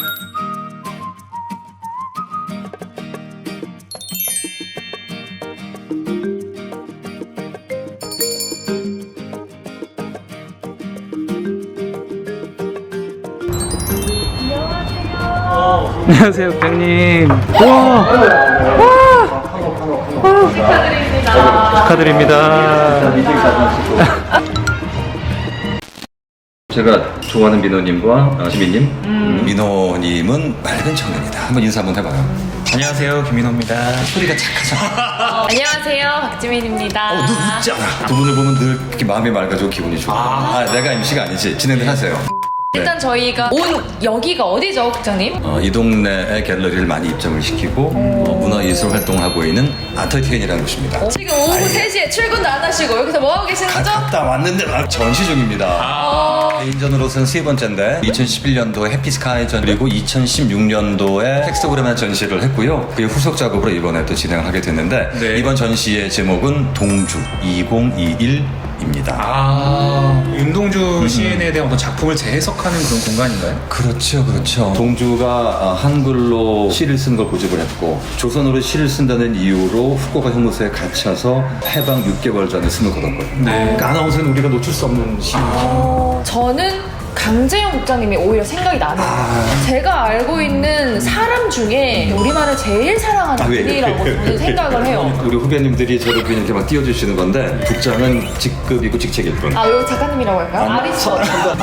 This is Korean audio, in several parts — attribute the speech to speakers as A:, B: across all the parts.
A: 안녕하세요, 국장님. 와, 축하드립니다. 제가 좋아하는 민호님과 지민님.
B: 민호님은 맑은 청년이다. 한번 인사 한번 해봐요.
A: 안녕하세요, 김민호입니다.
B: 소리가 착하잖아.
C: 안녕하세요, 박지민입니다.
B: 너 웃잖아. 두 분을 보면 늘 이렇게 마음이 맑아지고 기분이 좋아. 내가 MC가 아니지. 진행을 하세요.
C: 일단 저희가 온 여기가 어디죠, 국장님?
B: 이 동네의 갤러리를 많이 입점을 시키고 문화예술 활동을 하고 있는 아트티엔이라는 곳입니다.
C: 지금 오후 3시에 출근도 안 하시고 여기서 뭐 하고 계시는 거죠?
B: 갔다 왔는데 전시 중입니다. 개인전으로서는 세 번째인데 2011년도에 해피스카이전 그리고 2016년도에 텍스토그램의 전시를 했고요. 그의 후속 작업으로 이번에 또 진행을 하게 됐는데
A: 네.
B: 이번 전시의 제목은 동주 2021입니다.
A: 윤동주 시인에 대한 어떤 작품을 재해석하는 그런 공간인가요?
B: 그렇죠, 그렇죠. 동주가 한글로 시를 쓴 걸 고집을 했고 조선어로 시를 쓴다는 이유로 후쿠오카 형무소에 갇혀서 해방 6개월 전에 숨을 거뒀거든요.
A: 네.
B: 그러니까 아나운서는 우리가 놓칠 수 없는 시인이죠.
C: 저는 강재영 국장님이 오히려 생각이 나네요. 제가 알고 있는 사람 중에 우리말을 제일 사랑하는 분이라고 저는 생각을 해요.
B: 우리 후배님들이 저를 그냥 이렇게 막 띄워주시는 건데 국장은 직급이고 직책일 뿐.
C: 여기 작가님이라고 할까요? 아리스토.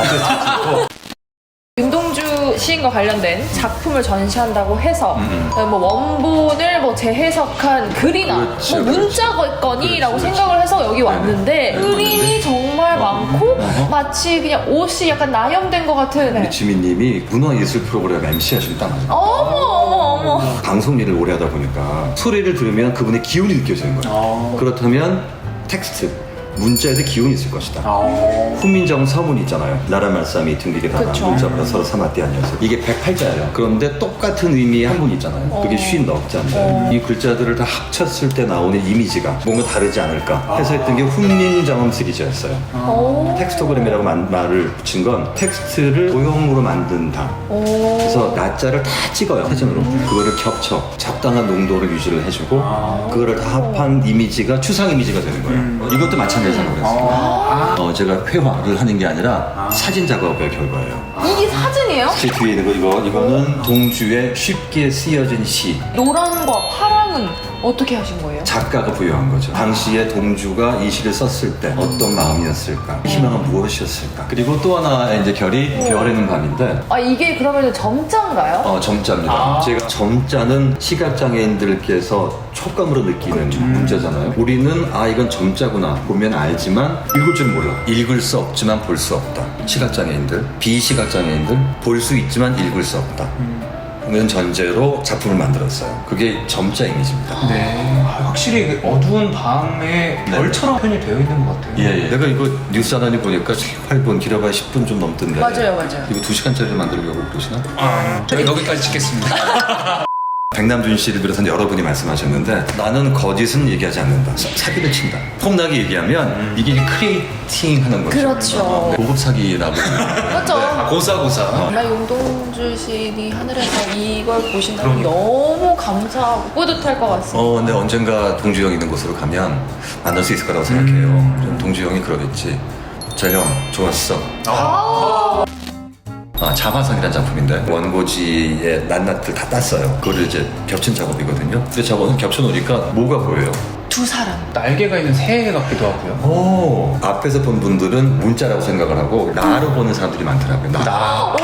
C: 윤동주 시인과 관련된 작품을 전시한다고 해서 뭐 원본을 뭐 재해석한 글이나
B: 그렇죠,
C: 뭐 문자건이라고 생각을 해서 여기 왔는데 그림이 정말 많고 마치 그냥 옷이 약간 나염된 것 같은.
B: 우리 지민님이 문화예술 프로그램 MC 하시면 딱 맞아요.
C: 어머.
B: 방송 일을 오래 하다 보니까 소리를 들으면 그분의 기운이 느껴지는 거예요. 그렇다면 텍스트 문자에도 기운이 있을 것이다. 훈민정 서문 있잖아요. 나라 말싸미 등기게 다가 문자보다 서로 삼았대 아니었어요. 이게 108자예요. 그런데 똑같은 의미의 한 분 있잖아요. 그게 50넉자인데 이 글자들을 다 합쳤을 때 나오는 이미지가 뭔가 다르지 않을까 해서 했던 게 훈민정음 시리즈였어요. 텍스토그램이라고 말을 붙인 건 텍스트를 도형으로 만든다. 그래서 낮자를 다 찍어요. 사진으로. 그거를 겹쳐 적당한 농도를 유지를 해주고 그거를 다 합한 이미지가 추상 이미지가 되는 거예요. 이것도 마찬가지로 생각했어요. 제가 회화를 하는 게 아니라 사진 작업의 결과예요.
C: 이게 사진이에요?
B: 제 뒤에 있는 이거는 동주의 쉽게 쓰여진 시.
C: 노랑과 파랑은 어떻게 하신 거예요?
B: 작가가 부여한 거죠. 당시에 동주가 이 시를 썼을 때 어떤 마음이었을까, 희망은 무엇이었을까. 그리고 또 하나의 이제 결이 별에는 밤인데.
C: 이게 그러면 점자인가요?
B: 점자입니다. 제가 점자는 시각장애인들께서 촉감으로 느끼는 문자잖아요. 우리는 이건 점자구나 보면 알지만 읽을 줄 몰라. 읽을 수 없지만 볼 수 없다. 시각장애인들, 비시각장애인들 볼 수 있지만 읽을 수 없다. 는 전제로 작품을 만들었어요. 그게 점자 이미지입니다.
A: 네. 확실히 어두운 밤에 별처럼 표현이 되어 있는 것 같아요.
B: 예. 내가 이거 뉴스 하나니 보니까 8분 길어봐야 10분 좀 넘던데.
C: 맞아요.
B: 이거 2시간짜리 만들려고 그러시나?
A: 여기까지 찍겠습니다.
B: 백남준 씨를 비롯한 여러분이 말씀하셨는데 나는 거짓은 얘기하지 않는다. 사기를 친다. 폼나게 얘기하면 이게 크리에이팅 하는 거죠.
C: 그렇죠.
B: 고급 사기라고.
C: 맞죠?
A: 고사고사.
C: 정말 윤동주 시인이 하늘에서 이걸 보신다면 너무 감사하고 뿌듯할 것 같습니다.
B: 근데 언젠가 동주 형 있는 곳으로 가면 만날 수 있을 거라고 생각해요. 그럼 동주 형이 그러겠지. 저 형 좋았어. 자화상이라는 작품인데 원고지의 낱낱을 다 땄어요. 그거를 이제 겹친 작업이거든요. 근데 저거는 겹쳐놓으니까 뭐가 보여요?
C: 두 사람.
A: 날개가 있는 새 같기도 하고요.
B: 앞에서 본 분들은 문자라고 생각을 하고 나로 보는 사람들이 많더라고요. 나.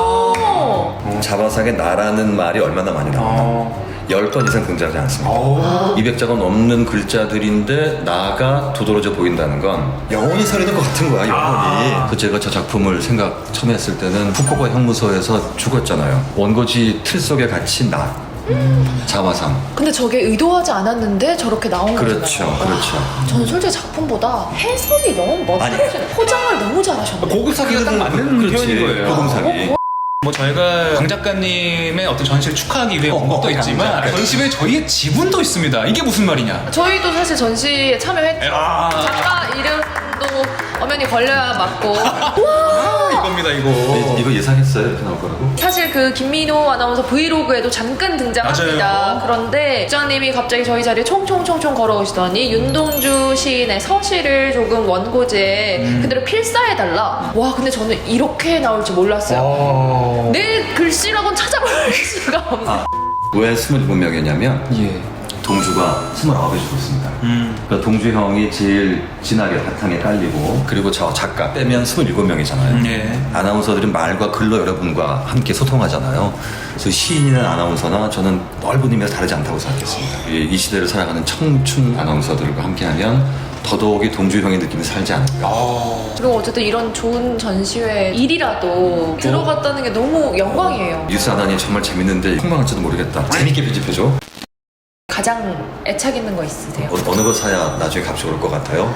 B: 자화상에 나라는 말이 얼마나 많이 나오나. 10번 이상 등장하지 않습니다. 200자가 넘는 글자들인데 나가 두드러져 보인다는 건 영혼이 서리는 것 같은 거야, 영혼이. 그래서 제가 저 작품을 처음 했을 때는 후쿠오카 형무소에서 죽었잖아요. 원고지 틀 속에 갇힌 나. 자화상.
C: 근데 저게 의도하지 않았는데 저렇게 나온 거잖아요.
B: 그렇죠.
C: 저는 솔직히 작품보다 해석이 너무 멋지시네. 포장을 너무 잘하셨네요.
A: 고급 사기가 딱 맞는 표현인 거예요.
B: 고급 사기.
A: 저희가 강 작가님의 어떤 전시를 축하하기 위해 온 것도 있지만 전시회에 저희의 지분도 있습니다. 이게 무슨 말이냐?
C: 저희도 사실 전시에 참여했죠. 작가 이름도 엄연히 걸려야 맞고.
A: 이겁니다 이거.
B: 이거 예상했어요? 이렇게 나올 거라고?
C: 사실 그 김민호 아나운서 브이로그에도 잠깐 등장합니다.
A: 맞아요.
C: 그런데 국장님이 갑자기 저희 자리에 총총총총 걸어오시더니 윤동주 시인의 서시를 조금 원고지에 그대로 필사해달라. 와, 근데 저는 이렇게 나올 줄 몰랐어요. 내 글씨라고는 찾아볼 수가 없네.
B: 왜 27명이었냐면
A: 예.
B: 동주가 29이 죽었습니다. 그러니까 동주 형이 제일 진하게 바탕에 깔리고 그리고 저 작가 빼면 27명이잖아요.
A: 예.
B: 아나운서들은 말과 글로 여러분과 함께 소통하잖아요. 그래서 시인이나 아나운서나 저는 넓은 의미에서 다르지 않다고 생각했습니다. 이 시대를 살아가는 청춘 아나운서들과 함께하면 더더욱이 동주 형의 느낌이 살지 않을까.
C: 그리고 어쨌든 이런 좋은 전시회 일이라도 들어갔다는 게 너무 영광이에요.
B: 뉴스 하나니 정말 재밌는데 폭망할지도 모르겠다. 재밌게 편집해줘.
C: 가장 애착 있는 거 있으세요?
B: 어느 거 사야 나중에 값이 올 것 같아요?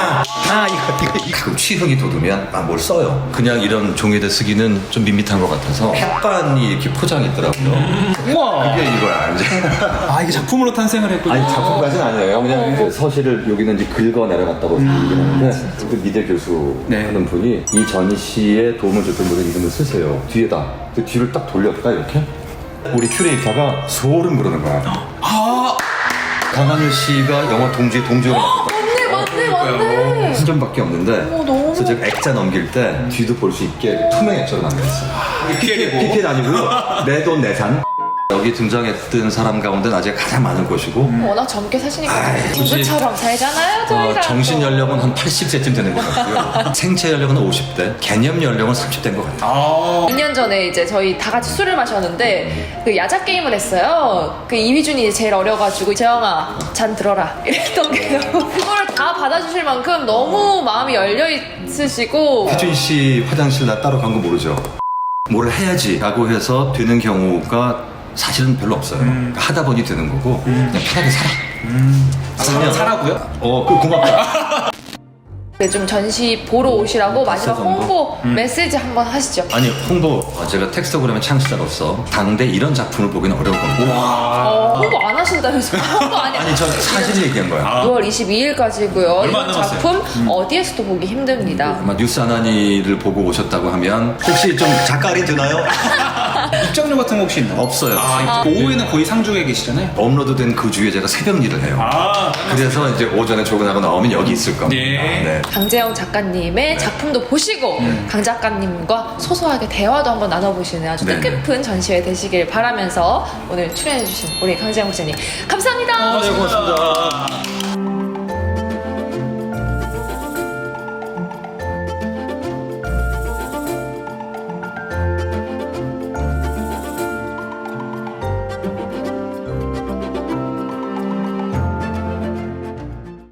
B: 이거. 가끔 취향이 돋으면 뭘 써요. 그냥 이런 종이에다 쓰기는 좀 밋밋한 것 같아서 햇반이 이렇게 포장이 있더라고요.
A: 우와.
B: 그게 이거야, 이제.
A: 아 이게 작품으로 탄생을 했군요.
B: 아니, 작품까지는 아니에요. 그냥 이제 서시를 여기는 이제 긁어 내려갔다고 얘기를 하는데, 그 미대 교수
A: 네.
B: 하는 분이 이 전시에 도움을 줬던 분의 이름을 쓰세요. 뒤에다. 그 뒤를 딱 돌렸다, 이렇게. 우리 큐레이터가 소름 부르는 거야. 강하늘 씨가 영화 동주의 동주를
C: 맞네.
B: 한 점밖에 없는데
C: 너무
B: 그래서 제가 액자 넘길 때 뒤도 볼 수 있게 투명 액자로 만들었어요. PPL 아니고요. 내 돈 내산. 여기 등장했던 사람 가운데 아직 가장 많은 곳이고
C: 워낙 젊게 사시니까 누구처럼 살잖아요, 저희랑.
B: 정신 연령은 한 80세쯤 되는 것 같고요. 생체 연령은 50대, 개념 연령은 30대인 것 같아요.
C: 2년 전에 이제 저희 다 같이 술을 마셨는데 그 야자 게임을 했어요. 그 이휘준이 제일 어려가지고 재영아 잔 들어라 이랬던 게 그거를 다 받아주실 만큼 너무 마음이 열려 있으시고.
B: 휘준 씨 화장실 나 따로 간 거 모르죠? 뭘 해야지 라고 해서 되는 경우가 사실은 별로 없어요. 하다 보니 되는 거고 그냥 편하게 살아.
A: 사라고요?
B: 그 고맙다.
C: 좀 전시 보러 오시라고 마지막
B: 정도?
C: 홍보 메시지 한번 하시죠.
B: 아니 홍보 제가 텍스토그램의 창시자로서 당대 이런 작품을 보기는 어려울 겁니다.
C: 홍보 안 하신다면서요? 홍보
B: 아니 저 사실 얘기한 거야.
C: 6월 22일까지고요.
A: 얼마 안
C: 이런
A: 남았어요.
C: 작품 어디에서도 보기 힘듭니다.
B: 아마 뉴스 아나니를 보고 오셨다고 하면 혹시 좀 작가 할인 되나요?
A: 입장료 같은 거 혹시 있나요?
B: 없어요.
A: 오후에는 거의 상주에 계시잖아요.
B: 업로드된 그 주에 제가 새벽 일을 해요. 그래서 이제 오전에 출근하고 나오면 여기 있을 겁니다.
A: 네.
C: 강재영 작가님의 작품도 보시고 강 작가님과 소소하게 대화도 한번 나눠보시는 아주
B: 네네.
C: 뜻깊은 전시회 되시길 바라면서 오늘 출연해주신 우리 강재영 목사님 감사합니다.
B: 네, 고맙습니다.